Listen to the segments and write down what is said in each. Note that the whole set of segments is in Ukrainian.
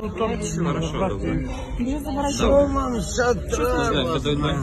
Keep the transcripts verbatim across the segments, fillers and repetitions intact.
Хорошо, добре. Що вам ще треба?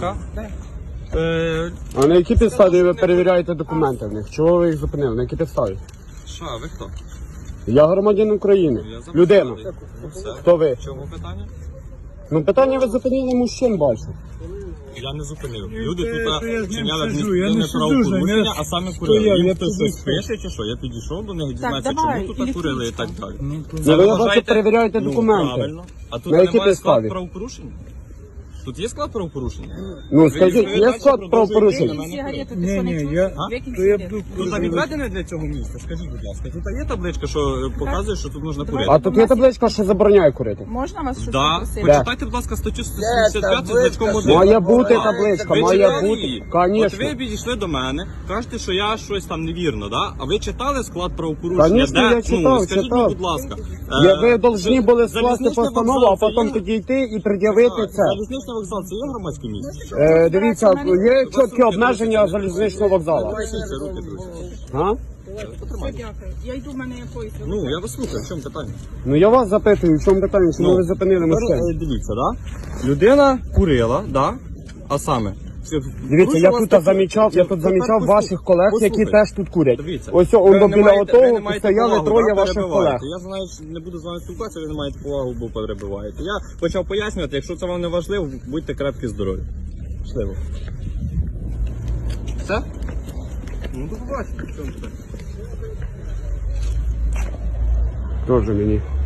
Е, А на якій підставі ви перевіряєте документи в них? Чого ви їх зупинили? На якій підставі? Що, ви хто? Я громадянин України. Я записав. Людина. Ну, все. Хто ви? В чому питання? Ну питання ви зупинили мужчин, бачу. Я не зупинив. Люди Те, тут що я з ним вчиняли сиджу, я не адміністративне сиджу з ним, правопорушення, я а саме стою, курили. Їм я хтось піду. щось пише чи що? Я підійшов до них, дізнатися, давай, чому тут курили і так далі. Ну ви я бачу, перевіряєте Ну, документи. правильно. А тут На якій немає склад підставі? правопорушення? Тут є склад правопорушення? Ну скажіть, Ви є далі склад продовжуєте правопорушення? на мене Сигарети, ти Ні, що ні, не чуєш? я... Викинь То я сигарети. буду... Тут там відведене для цього місця, скажіть, будь ласка. Тут є табличка, що е, показує, що тут можна курити? А тут є табличка, що забороняє курити. Можна вас щось Да. попросити? Почитайте, будь ласка, статтю сто сімдесят п'ять з значком один. Має бути табличка, Ви має читали бути. її? От Конечно. ви підійшли до мене, кажете, що я щось там невірно, да? А ви читали склад правопорушення? Конечно, Де? я читав, ну, скажіть читав. мені, будь ласка. Я, Е, ви повинні були скласти залізничний постанову, вокзал а це потім є? підійти і пред'явити Так, це. Залізничний вокзал, це є громадське місце? Е, дивіться, є чіткі обмеження залізничного вокзалу. Це руки, друзі. А? Дякую. Я йду, в мене поїзд. Ну, я вас слухаю, в чому питання? Ну я вас запитую, в чому питання, чому Ну, ви зупинили Тепер, мужчин? е, Дивіться, да? Людина курила, да? А саме? Дивіться, я тут замічав, я тут замічав ваших колег, які теж тут курять. Дивіться, Ось ви он не біля маєте- ви не отого маєте стояли повагу, троє да, ваших перебиваєте. колег. Я знаю, що не буду з вами спілкуватися, ви не маєте повагу, бо перебиваєте. Я почав пояснювати, якщо це вам не важливо, будьте крепкі здорові. Щасливо. Все? Ну, до побачення. В чому питання? Тоже мені.